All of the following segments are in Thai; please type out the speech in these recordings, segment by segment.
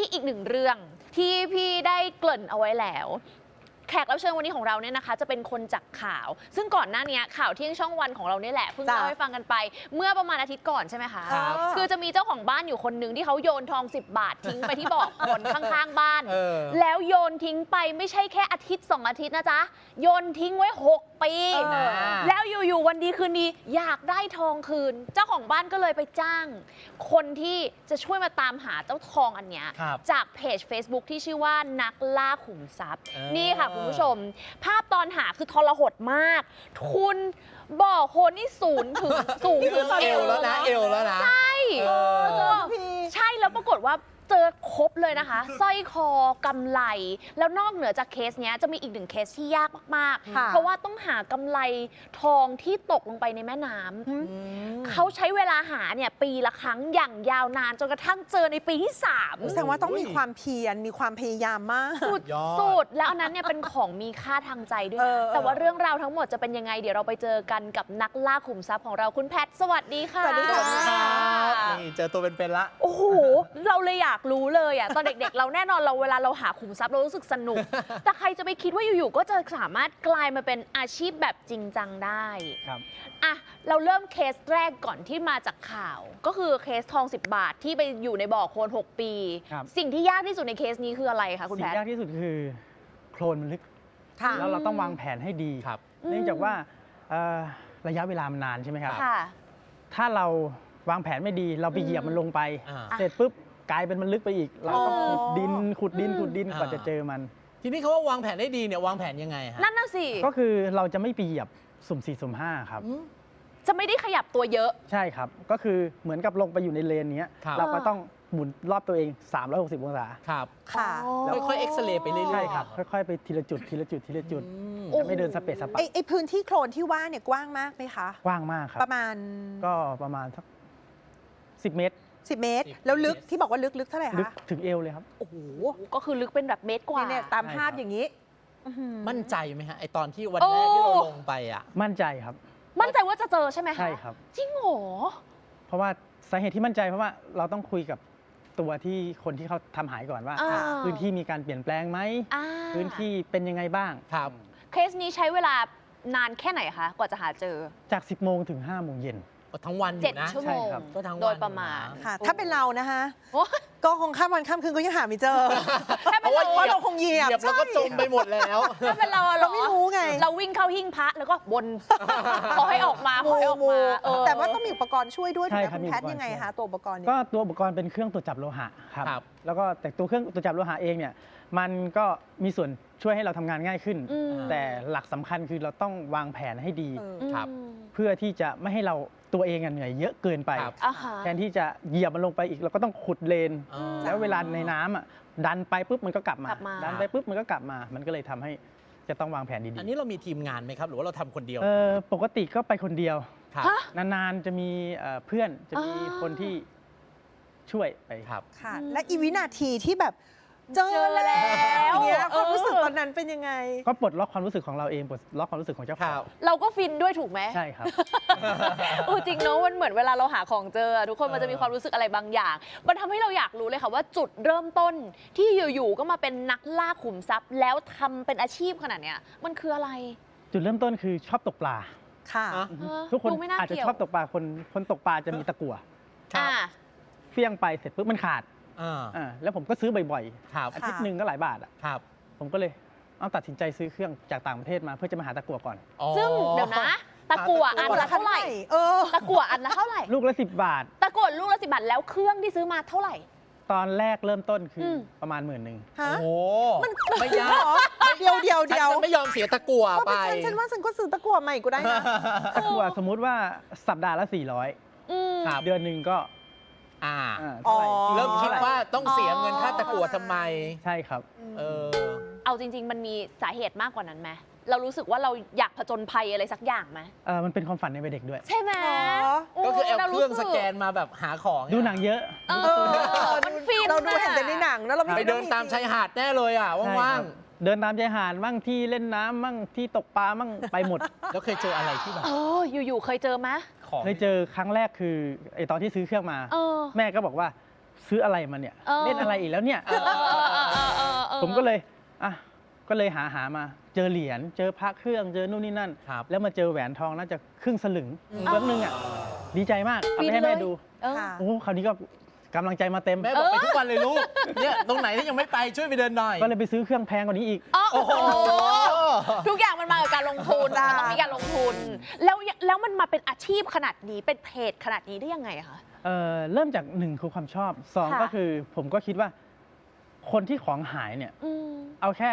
อีกหนึ่งเรื่องที่พี่ได้เกริ่นเอาไว้แล้วแขกรับเชิญวันนี้ของเราเนี่ยนะคะจะเป็นคนจากข่าวซึ่งก่อนหน้านี้ข่าวเที่ยงช่องวันของเราเนี่ยแหละเพิ่งเล่าให้ฟังกันไปเมื่อประมาณอาทิตย์ก่อนใช่ไหมคะคือจะมีเจ้าของบ้านอยู่คนหนึ่งที่เขาโยนทอง10 บาททิ้งไปที่บ่อคนข้างๆบ้านแล้วโยนทิ้งไปไม่ใช่แค่อาทิตย์2 อาทิตย์นะจ๊ะโยนทิ้งไว้6 ปีแล้วอยู่ๆวันดีคืนดีอยากได้ทองคืนเจ้าของบ้านก็เลยไปจ้างคนที่จะช่วยมาตามหาเจ้าทองอันเนี้ยจากเพจ Facebook ที่ชื่อว่านักล่าขุมทรัพย์นี่ค่ะคุณผู้ชมภาพตอนหาคือทรหดมากคุณบ่อโคลนนี่สูงถึงเอวแล้วนะใช่ใช่แล้วปรากฏว่าเจอครบเลยนะคะสร้อยคอกำไลแล้วนอกเหนือจากเคสนี้จะมีอีกหนึ่งเคสที่ยากมากๆเพราะว่าต้องหากำไลทองที่ตกลงไปในแม่น้ำเขาใช้เวลาหาเนี่ยปีละครั้งอย่างยาวนานจนกระทั่งเจอในปีที่3 แสดงว่าต้องมีความเพียรมีความพยายามมากสุดแล้วอันนั้นเนี่ยเป็นของมีค่าทางใจด้วยแต่ว่าเรื่องราวทั้งหมดจะเป็นยังไงเดี๋ยวเราไปเจอกันกับนักล่าขุมทรัพย์ของเราคุณแพทสวัสดีค่ะสวัสดีค่ะนี่เจอตัวเป็นๆละโอ้โหเราเลยอยากรู้เลยอ่ะตอนเด็กๆเราแน่นอนเราเวลาเราหาขุมทรัพย์เรารู้สึกสนุกแต่ใครจะไปคิดว่าอยู่ๆก็จะสามารถกลายมาเป็นอาชีพแบบจริงจังได้ครับอ่ะเราเริ่มเคสแรกก่อนที่มาจากข่าวก็คือเคสทอง10 บาทที่ไปอยู่ในบ่อโคลน6 ปีสิ่งที่ยากที่สุดในเคสนี้คืออะไรคะคุณแพทสิ่งยากที่สุดคือโคลนมันลึกแล้วเราต้องวางแผนให้ดีเนื่องจากว่าระยะเวลามันนานใช่ไหมครับถ้าเราวางแผนไม่ดีเราไปเหยียบมันลงไปเสร็จปุ๊บกลายเป็นมันลึกไปอีกเราต้องขุดดินกว่าจะเจอมันทีนี้เขาว่าวางแผนได้ดีเนี่ยวางแผนยังไงฮะนั่นน่ะสิก็คือเราจะไม่ไปเหยียบสุ่ม4สุ่ม5ครับจะไม่ได้ขยับตัวเยอะใช่ครับก็คือเหมือนกับลงไปอยู่ในเลนนี้เราก็ต้องหมุนรอบตัวเอง360 องศาครับค่ะแล้วค่อยๆเอ็กซเรย์ไปเรื่อยๆใช่ครับค่อยๆไปทีละจุดจะไม่เดินสเปซสปะไอพื้นที่โคลนที่ว่าเนี่ยกว้างมากไหมคะกว้างมากครับประมาณสัก10 เมตร 10 เมตรแล้วลึกที่บอกว่าลึกเท่าไหร่คะลึกถึงเอวเลยครับโอ้โหก็คือลึกเป็นแบบเมตรกว่าเนี่ยตามภาพอย่างนี้มั่นใจไหมฮะไอตอนที่วันแรกที่เราลงไปอ่ะมั่นใจครับมั่นใจว่าจะเจอใช่ไหมคะใช่ครับจริงเหรอเพราะว่าสาเหตุที่มั่นใจเพราะว่าเราต้องคุยกับตัวที่คนที่เขาทำหายก่อนว่าพื้นที่มีการเปลี่ยนแปลงไหมพื้นที่เป็นยังไงบ้างครับเคสนี้ใช้เวลานานแค่ไหนคะกว่าจะหาเจอจาก10 โมงถึง5 โมงเย็นทั้งวันอยู่นะ 7 ชั่วโมงก็ทั้งวันโดยประมาณค่ะถ้าเป็นเรานะคะก็คงข้ามวันข้ามคืนก็ยังหาไม่เจอเพราะว่าเราคงเหยียบแล้วก็จมไปหมดแล้วถ้าเป็นเราไม่รู้ไงเราวิ่งเข้าหิ้งพระแล้วก็บนขอให้ออกมาแต่ว่าต้องมีอุปกรณ์ช่วยด้วยถูกไหมคุณแพทยังไงคะตัวอุปกรณ์ก็ตัวอุปกรณ์เป็นเครื่องตรวจจับโลหะครับแล้วก็แต่ตัวเครื่องตรวจจับโลหะเองเนี่ยมันก็มีส่วนช่วยให้เราทำงานง่ายขึ้นแต่หลักสำคัญคือเราต้องวางแผนให้ดีเพื่อที่จะไม่ให้เราตัวเองเหนื่อยเยอะเกินไปแทนที่จะเหยียบมันลงไปอีกเราก็ต้องขุดเลนแล้วเวลาในน้ำดันไปปุ๊บมันก็กลับมาดันไปปุ๊บมันก็กลับมามันก็เลยทำให้จะต้องวางแผนดีๆอันนี้เรามีทีมงานไหมครับหรือว่าเราทำคนเดียวปกติก็ไปคนเดียวนานๆจะมีเพื่อนจะมีคนที่ช่วยไปครับค่ะและอีวินาทีที่แบบเจอแล้วเนี่ยความรู้สึกตอนนั้นเป็นยังไงก็ปลดล็อกความรู้สึกของเราเองปลดล็อกความรู้สึกของเจ้าของเราก็ฟินด้วยถูกไหมใช่ครับจริงเนาะมันเหมือนเวลาเราหาของเจอทุกคนมันจะมีความรู้สึกอะไรบางอย่างมันทำให้เราอยากรู้เลยค่ะว่าจุดเริ่มต้นที่อยู่ๆก็มาเป็นนักล่าขุมทรัพย์แล้วทำเป็นอาชีพขนาดเนี้ยมันคืออะไรจุดเริ่มต้นคือชอบตกปลาค่ะทุกคนอาจจะชอบตกปลาคนตกปลาจะมีตะกั่วเฟี้ยงไปเสร็จปุ๊บมันขาดแล้วผมก็ซื้อบ่อยๆอาทิตย์หนึ่งก็หลายบาทผมก็เลยตัดสินใจซื้อเครื่องจากต่างประเทศมาเพื่อจะมาหาตะกั่วก่อนซึ่งเดี๋ยวนะตะกั่วอันละเท่าไหร่ตะกั่วอันละเท่าไหร่ลูกละ10 บาทตะกั่วลูกละ10 บาทแล้วเครื่องที่ซื้อมาเท่าไหร่ตอนแรกเริ่มต้นคือประมาณ11,000 โอ้โหมันไม่ยากเดียวไม่ยอมเสียตะกั่วไปฉันว่าฉันก็ซื้อตะกั่วใหม่ก็ได้นะตะกั่วสมมุติว่าสัปดาห์ละ400เดือนหนึ่งก็เริ่มคิดว่าต้องเสียเงินค่าตะกั่วทำไมใช่ครับเอาจริงๆมันมีสาเหตุมากกว่านั้นไหมเรารู้สึกว่าเราอยากผจญภัยอะไรสักอย่างไหมมันเป็นความฝันในวัยเด็กด้วยใช่ไหมก็คือเอาเครื่องสแกนมาแบบหาของดูหนังเยอะมันฟินเราดูเห็นแต่ในหนังแล้วเราไปเดินตามชายหาดแน่เลยว่างๆเดินตามชายหาดมั่งที่เล่นน้ำมั่งที่ตกปลามั่งไปหมดแล้วเคยเจออะไรที่แบบอยู่ๆเคยเจอไหมเคยเจอครั้งแรกคือไอตอนที่ซื้อเครื่องมาแม่ก็บอกว่าซื้ออะไรมาเนี่ย เล่นอะไรอีกแล้วเนี่ยเออผมก็เลยก็เลยหามาเจอเหรียญเจอพระเครื่องเจอนู่นนี่นั่นครับแล้วมาเจอแหวนทองน่าจะครึ่งสลึงแป๊บนึงดีใจมากเอาไปให้แม่ดูค่ะโอ้คราวนี้ก็กำลังใจมาเต็มแม่บอกไปทุกวันเลยลูก เนี่ยตรงไหนที่ยังไม่ไปช่วยไปเดินหน่อยก็เลยไปซื้อเครื่องแพงกว่านี้อีกโอ้โหทุกอย่างมันมากับการลงทุนจ้ามันต้องมีการลงทุน แล้วมันมาเป็นอาชีพขนาดนี้เป็นเพจขนาดนี้ได้ยังไงคะเริ่มจาก1คือความชอบ2 ค่ะก็คือผมก็คิดว่าคนที่ของหายเนี่ยอืมเอาแค่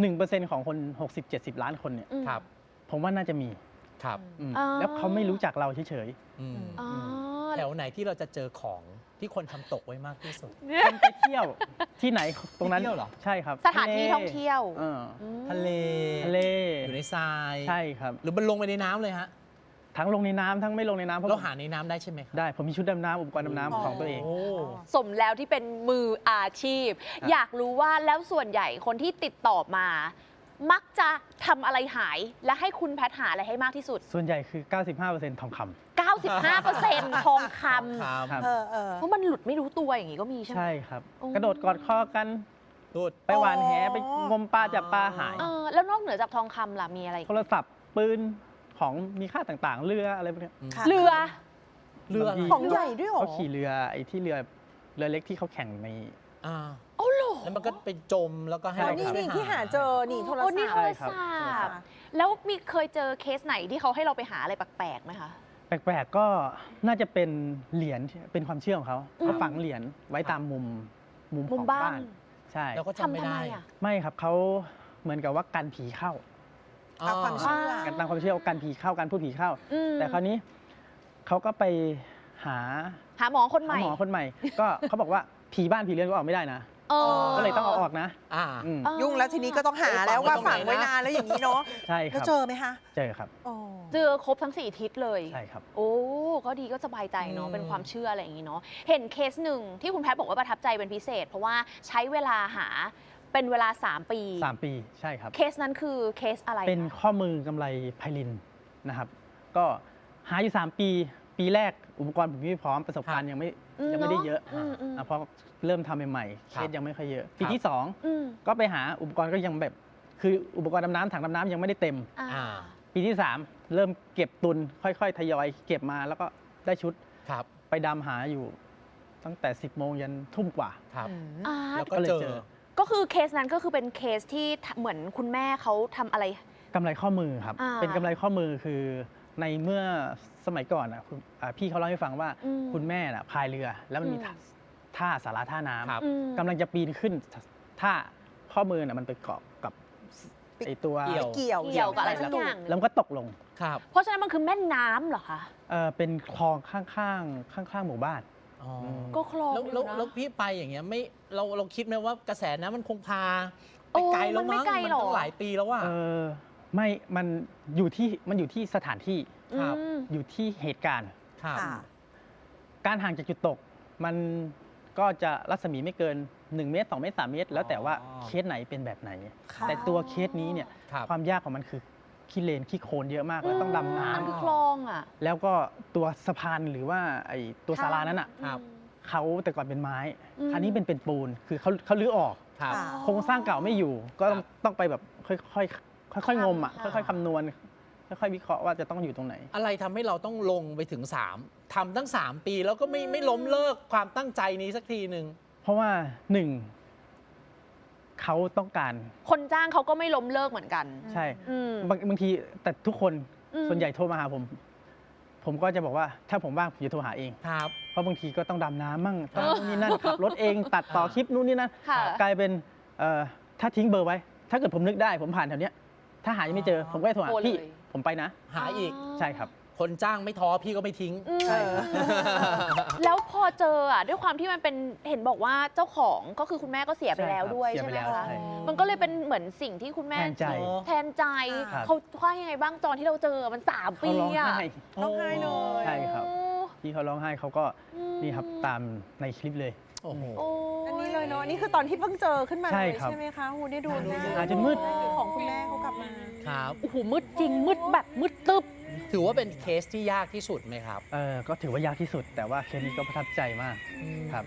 1% ของคน 60-70 ล้านคนเนี่ยอืมครับผมว่าน่าจะมีครับอ๋อแล้วเขาไม่รู้จักเราเฉยอืมอ๋อแถวไหนที่เราจะเจอของที่คนทำตกไว้มากที่สุดๆคนไปเที่ยวที่ไหนตรงนั้นไปเที่ยวเหรอใช่ครับสถานที่ท่องเที่ยวเออมทะเลทะเลอยู่ในทรายใช่ครับหรือมันลงไปในน้ำเลยฮะทั้งลงในน้ำทั้งไม่ลงในน้ำเพราะเราผมหาในน้ำได้ใช่ไหมครับได้ผมมีชุดดำน้ำอุปกรณ์ดำน้ำของตัวเองโอ้สมแล้วที่เป็นมืออาชีพครับอยากรู้ว่าแล้วส่วนใหญ่คนที่ติดต่อมา มักจะทำอะไรหาย และให้คุณแพทย์หาอะไรให้มากที่สุดส่วนใหญ่คือ 95%ทองคำ 95%ทองคครับครับำเพราะมันหลุดไม่รู้ตัวอย่างนี้ก็มีใช่ไหมใช่ครับโอ้กระโดดกอดคอกันตูดไปหวานแหไปงมปลาจับปลาหายแล้วนอกเหนือจากทองคำล่ะมีอะไรอีกโทรศัพท์ปืนของมีค่าต่างๆ เรืออะไรพวกเนี้ยค่ะเรือเรือบางทีของใหญ่ด้วยเหรอเขาขี่เรือไอ้ที่เรือเล็กที่เขาแข่งในอ่าโอ้โหแล้วมันก็ไปจมแล้วก็ให้ใช่อ๋อเรานี่ไปที่หาเจอ นี่โทรโอ้ศัพนี่ท์โทรใช่ครับศัพท์แล้วมีเคยเจอเคสไหนที่เขาให้เราไปหาอะไรแปลกๆไหมคะแปลกๆก็น่าจะเป็นเหรียญเป็นความเชื่อของเขาอืมเขาฝังเหรียญไว้ตามมุมมุของมบ้าบ้าน น ใช่แล้วก็จำไม่ทำไมได้อ่ะไม่ครับเขาเหมือนกับว่ากันผีเข้าตามความเชื่อกันตามความเชื่อว่ากันผีเข้ากันพูดผีเข้าอืมแต่คราวนี้เขาก็ไปหาหาหมอคนใหม่หมอคนใหม่ ก็เขาบอกว่าผีบ้านผีเรือนก็ออกไม่ได้นะเออก็เลยต้องเอาออกนะอ่าอืมยุ่งแล้วทีนี้ก็ต้องหาแล้วว่าฝังไว้นานแล้วอย่างนี้เนาะใช่คแล้วรับเจอไหมคะเจอครับอ๋อเจอครบทั้ง4ทิศเลยใช่ครับโอ้ก็ดีก็สบายใจเนาะอืมเป็นความเชื่ออะไรอย่างนี้เนาะเห็นเคสหนึ่งที่คุณแพทย์บอกว่าประทับใจเป็นพิเศษ เพราะว่าใช้เวลาหาเป็นเวลา 3 ปี 3 ปีใช่ครับเคสนั้นคือเคสอะไรเป็นคะข้อมือกำไรไพลินนะครับ ก็หาอยู่ 3 ปี ปีแรกอุปกรณ์ผมไม่พร้อมประสบการณ์ยังไม่ได้เยอะมเพราะเริ่มทำใหม่ๆเคครัสบยังไม่ค่อยเยอะ ปีครับที่อืม 2 ก็ไปหาอุปกรณ์ก็ยังแบบ คืออุปกรณ์ดำน้ำถังดำน้ำยังไม่ได้เต็มอ่าอ่าปีที่ 3 เริ่มเก็บตุนค่อยๆ ทยอยเก็บมาแล้วก็ได้ชุดครับไปดำหาอยู่ตั้งแต่ 10 โมงยันทุ่มกว่าครับอ่าแล้วก็ก็เลยเจเจออก็คือเคสนั้นก็คือเป็นเคสที่เหมือนคุณแม่เขาทำอะไรกำไรข้อมือครับอ่าเป็นกำไรข้อมือคือในเมื่อสมัยก่อนพี่เขาเล่าให้ฟังว่าอืมคุณแม่พายเรือ แล้วมันมีอืมท่าสาราท่าน้ครับอืมำกำลังจะปีนขึ้นท่าข้อมือมันไปเกาะกับไอตัวเกี่ยวเกี่ยวเกี่ยวกับอะไรแล้สัวกอย่างหนึ่งแล้วมันก็ตกลงครับเพราะฉะนั้นมันคือแม่น้ำเหรอคะเป็นคลองข้างๆหมู่บ้านอ๋อก็คลองแล้วอยู่แล้วนะแล้วพี่ไปอย่างเงี้ยไม่เราคิดไหมว่ากระแสน้ำมันคงพาโอ้ไปไกลแล้วมันไม่มั้งไกลมันหรอตั้งหลายปีแล้วว่าไม่มันอยู่ที่สถานที่ครับอืมอยู่ที่เหตุการณ์ครับค่ะการห่างจากจุดตก มันก็จะรัศมีไม่เกิน 1 เมตร 2 เมตร 3 เมตร แล้วแต่ว่าอ๋อเคสไหนเป็นแบบไหนค่ะแต่ตัวเคสนี้เนี่ยครับความยากของมันคือขี้เลนขี้โคลนเยอะมากแล้วต้องดำน้มันคือคลองอ่ะำแล้วก็ตัวสะพานหรือว่าไอ้ตัวศาลานั้นอ่ะครับเขาแต่ก่อนเป็นไม้อืมอันนี้เป็นปูนคือเขาลื้อออกครับค่ะโครงสร้างเก่าไม่อยู่ ก็ต้องครับต้องไปแบบค่อยๆงมอ่ะค่ะค่อยๆคำนวณค่อยๆวิเคราะห์ว่าจะต้องอยู่ตรงไหนอะไรทำให้เราต้องลงไปถึง 3ทำตั้ง 3 ปีแล้วก็ไม่ล้มเลิกความตั้งใจนี้สักทีหนึ่งเพราะว่าหนึ่งเขาต้องการคนจ้างเขาก็ไม่ล้มเลิกเหมือนกันใช่อืมบางทีแต่ทุกคนอืมส่วนใหญ่โทรมาหาผม ผมก็จะบอกว่าถ้าผมว่างผมจะโทรหาเองครับเพราะบางทีก็ต้องดำน้ำมั่งทำนู่นนี่นั่นขับรถเองตัดต่อคลิปนู่นนี่นั่นค่ะกลายเป็นถ้าทิ้งเบอร์ไว้ ถ้าเกิดผมนึกได้ผมผ่านแถวเนี้ยถ้าหายังไม่เจอ ผมก็จะโทรหาโทรเลยพี่ผมไปนะหาอีกใช่ครับคนจ้างไม่ท้อพี่ก็ไม่ทิ้งอืมใช่ครับแล้วพอเจออ่ะด้วยความที่มันเป็นเห็นบอกว่าเจ้าของก็คือคุณแม่ก็เสียไปแล้วด้วยเสียใช่ไปไหมแล้วคะใช่มันก็เลยเป็นเหมือนสิ่งที่คุณแม่แทนใจแทนใจครับเขาว่ายังไงบ้างตอนที่เราเจอมัน3 ปีเขาร้องอ่ะไห้ร้องไห้เลยใช่ครับ ที่เขาร้องไห้เขาก็อืมนี่ครับตามในคลิปเลยโอ้โหโอ้อันนี้เลยเนาะนี่คือตอนที่เพิ่งเจอขึ้นมาใช่เลยครับใช่ไหมคะโหได้ดูหน้าหาจนมืดของคุณแม่เขากลับมาครับโอ้โหมืดจริงมืดแบบมืดตึ๊บถือว่าเป็นเคสที่ยากที่สุดไหมครับก็ถือว่ายากที่สุด แต่ว่าเคสนี้ก็ประทับใจมาก ครับอืม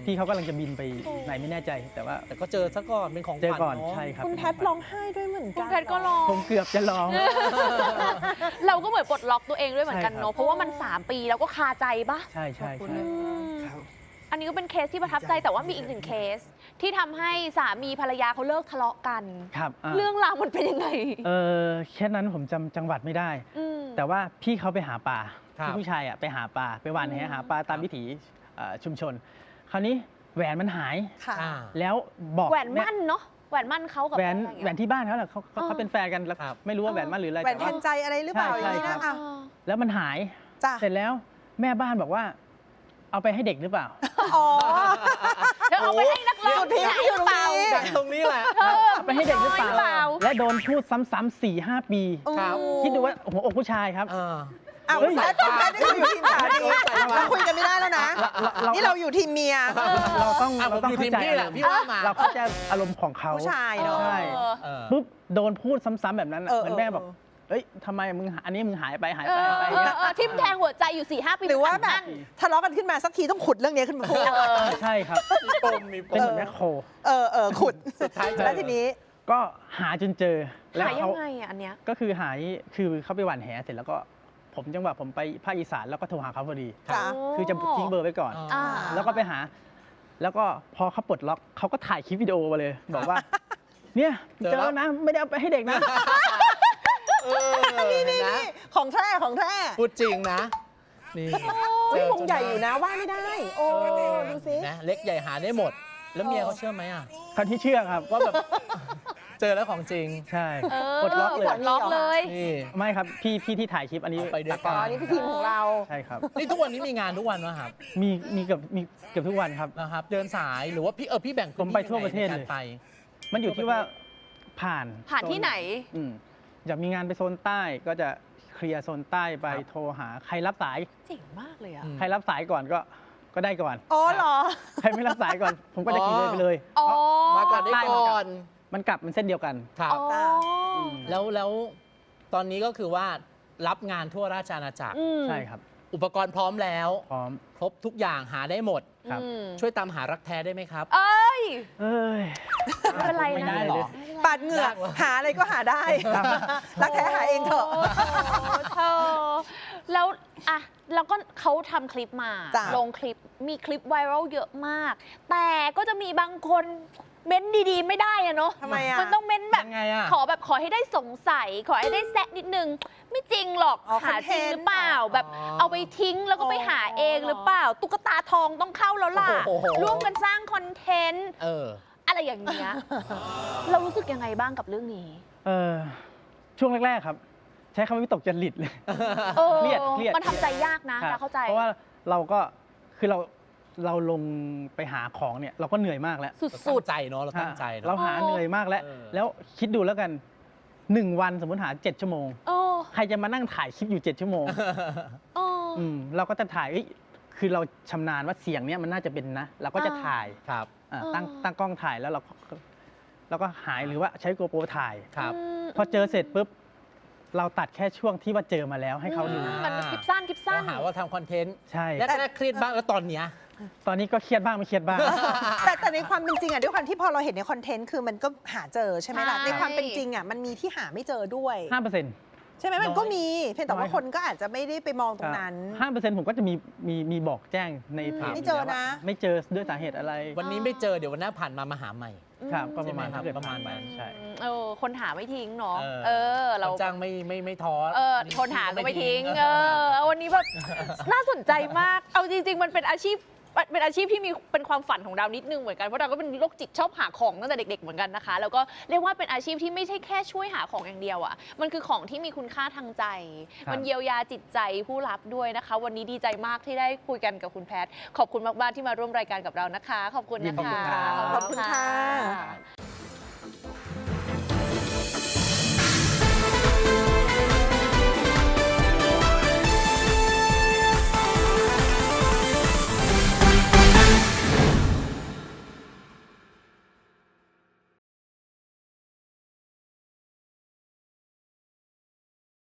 พี่เขากำลังจะบินไปไหนไม่แน่ใจ แต่ว่าแต่ก็เจอซะก่อนเป็นของขเจอวัญก่อนเนาะใช่ครับคุณแพทร้องไห้ด้วยเหมือนคุกัณนแพทก็ร้องผมเกือบจะร้องเราก็เหมือนปลดล็อกตัวเองด้วยเหมือนกันใช่ครับเนาะเพราะว่ามัน 3 ปีแล้วก็คาใจปะใช่ใช่ขอบคุณใช่นะครับอันนี้ก็เป็นเคสที่ประทับใจแต่ว่ามีอีกหนึ่งเคส ที่ทำให้สามีภรรยาเขาเลิกทะเลาะกันครับอ่าเรื่องราวมันเป็นยังไงแค่นั้นผมจำจังหวัดไม่ได้มแต่ว่าพี่เขาไปหาปลาครับพี่ผู้ชายอ่ะไปหาปลาไปหว่านแหหาปลาตามวิถีชุมชน คราวนี้แหวนมันหายค่ะอ่าแล้วบอกแหวนมั่นเนาะแหวนมั่นเขากับแหวนอะไรอย่างแหวเงี้ยนที่บ้านเขาแหละเขาอ๋อเขาเป็นแฟนกันแล้วครับไม่รู้ว่าแหวนมั่นหรืออะไรแหวนแต่แทว่านใจอะไรหรือเปล่าใช่อย่างนี้ใช่นะครับแล้วมันหายจ้ะเสร็จแล้วแม่บ้านบอกว่า เอาไปให้เด็กหรือเปล่าอ๋อเธอเอาไปให้นักร้องจุดพีคที่ไหนอยู่หรือเปล่าจากตรงนี้แหละเอาไปให้เด็กหรือเปล่าน้อยหรือเปล่าและโดนพูดซ้ำๆ4-5 ปีครับคิดดูว่าหัวอกผู้ชายครับเอออ้าวเฮ้ยคุณแพทนี่เราอยู่ทีมสามีเราคุยกันไม่ได้แล้วนะ นี่เราอยู่ทีมเมียเราต้องอ่ะผมเราต้องอยู่ทีเข้าม ใจพี่แหละพี่ว่ามาเราเข้าใจอารมณ์ของเขาผู้ชายเนาะใช่เออปุ๊บโดนพูดซ้ำๆแบบนั้นน่ะเออเหมือนแม่บอกเอ้ยทำไมมึงอันนี้มึงหายไปหายเอไปอหายไปเอเงี้อย ทิ่มแทงหัวใจอยู่ 4-5 ปีหรือว่าแบบนั่นทะเลาะกันขึ้นมาสักทีต้องขุดเรื่องนี้ขึ้นมาพูดใช่ครับมีปมมีปเป็นมเหมือนแมคโครขุดสุดท้ายเจอแล้วทีนี้ก็หาจนเจอแล้วหายยัเขางไงอ่ะอันเนี้ยก็คือหายคือเขาไปหว่านแหเสร็จแล้วก็ผมจังหวะผมไปภาคอีสานแล้วก็โทรหาเขาพอดีจ้ะคือจะทิ้งเบอร์ไว้ก่อนอ่าแล้วก็ไปหา แล้วก็พอเขาปลดล็อกเขาก็ถ่ายคลิปวิดีโอมาเลย บอกว่า เนี่ยเจอเจอแล้วแล้วนะ ไม่ได้เอาไปให้เด็กนะเออนะของแท้ของแท้พูดจริงนะ นี่เฮ้ยเจอคงใหญ่อยู่นะว่าไม่ได้ โอ้ดูสินะเล็กใหญ่หาได้หมด แล้วเมียเขาเชื่อไหมอ่ะคนที่เชื่อครับว่าแบบ เจอแล้วของจริงใช่เออปลดล็อกเลยปลดล็อกเลยนี่ไม่ครับ พี่ที่ถ่ายคลิปอันนี้เอาไปด้วยตากล้อ๋องอนี่คือทีมของเราใช่ครับนี่ทุกวันนี้มีงานทุกวันวะครับมีเกือบทุกวันครับนะครับ เดินสายหรือว่าพี่แบ่งผมไปทั่วประเทศในเลยการไปมันอยู่ที่ว่าผ่านผ่านที่ไหนอืมอยากมีงานไปโซนใต้ก็จะเคลียร์โซนใต้ไปครับโทรหาใครรับสายเจ๋งมากเลยอ่ะอืมใครรับสายก่อนก็ได้ก่อนอ๋อเหรอใครไม่รับสายก่อน ผมก็จะขี่เลยไปเลยอ๋อมาก่อนได้ก่อนมันกลับมันเส้นเดียวกันครับอ๋อจ้ะแล้วตอนนี้ก็คือว่ารับงานทั่วราชอาณาจักรอืมใช่ครับอุปกรณ์พร้อมแล้วพร้อมครบทุกอย่างหาได้หมดครับอืมช่วยตามหารักแท้ได้ไหมครับเอ้ยเอ้ยไม่เป็นไรไม่นะได้หรอปาดเหงื่อหาอะไรก็หาได้ รักแท้หาเองเถอะโอ้เธอแล้วอะแล้วก็เขาทำคลิปมาจ้ะลงคลิปมีคลิปไวรัลเยอะมาก แต่ก็จะมีบางคนเม้นดีๆ ไม่ได้อะเนาะทำไมอะมันต้องเม้นแบบยังไงอะขอให้ได้สงสัย ขอให้ได้แซะนิดนึง ไม่จริงหรอกอ๋อหาจริงหรือเปล่าคอนเทนต์แบบอ๋อเอาไปทิ้งแล้วก็ไปหาเองหรือเปล่า ตุ๊กตาทองต้องเข้าแล้วล่ะโอ้โหร่วมกันสร้างคอนเทนต์เอออะไรอย่างเงี้ย เรารู้สึกยังไงบ้างกับเรื่องนี้ช่วงแรกๆครับ ใช้คำว่าวิตกจริตเลยเออเครียดมันทำใจยากนะครัเราบเข้าใจเพราะว่าเราก็คือเราลงไปหาของเนี่ย เราก็เหนื่อยมากแล้วสุตั้ดงใจเนาะเราตั้งใจเนาะเราหาเหนื่อยมากแล้วเออแล้วคิดดูแล้วกัน 1 วันสมมติหา 7 ชั่วโมงๆโอ้ใครจะมานั่งถ่ายคลิปอยู่ 7 ชั่วโมงโอ้เราก็จะถ่ายคือเราชำนาญว่าเสียงเนี้ยมันน่าจะเป็นนะ เราก็จะถ่ายครับตั้งกล้องถ่ายแล้วเราก็หายหรือว่าใช้โกโปรถ่ายครับพอเจอเสร็จปุ๊บ เราตัดแค่ช่วงที่ว่าเจอมาแล้วให้เขาดูมันคลิปสั้นคลิปสั้นเราหาว่าทำคอนเทนต์ใช่แรกๆเครียดบ้างแล้วตอนเนี้ยตอนนี้ก็เครียดบ้างไม่เครียดบ้างแต่ในความเป็นจริงอะด้วยความที่พอเราเห็นในคอนเทนต์คือมันก็หาเจอใช่ไหมล่ะใช่ในความเป็นจริงอะมันมีที่หาไม่เจอด้วย 5% ใช่ไหมมันก็มีเพียงแต่น้ว่าอยคนก็อาจจะไม่ได้ไปมองตรงนั้น 5%ผมก็จะมีบอกแจ้งในเพจไม่เจอนะไม่เจอด้วยสาเหตุอะไรวันนี้ไม่เจอเดี๋ยววันหน้าผ่านมาหาใหม่ครับก็ประมาณใช่ไหมครับถ้าเกิดประมาณนั้นใช่คนหาไม่ทิ้งเนาะเออเราคนจ้างไม่ท้อคนหาก็ไม่ทิ้งวันนี้แบบน่าสนใจมาก เอาจริง ๆ มันเป็นอาชีพที่มีเป็นความฝันของเรานิดนึงเหมือนกันเพราะเราก็เป็นโรคจิตชอบหาของตั้งแต่เด็ก ๆเหมือนกันนะคะ แล้วก็เรียกว่าเป็นอาชีพที่ไม่ใช่แค่ช่วยหาของอย่างเดียวอ่ะมันคือของที่มีคุณค่าทางใจครับมันเยียวยาจิตใจผู้รับด้วยนะคะ วันนี้ดีใจมากที่ได้คุยกันกับคุณแพทย์ขอบคุณมากๆที่มาร่วมรายการกับเรานะคะ ขอบคุณนะคะขอบคุณค่ะ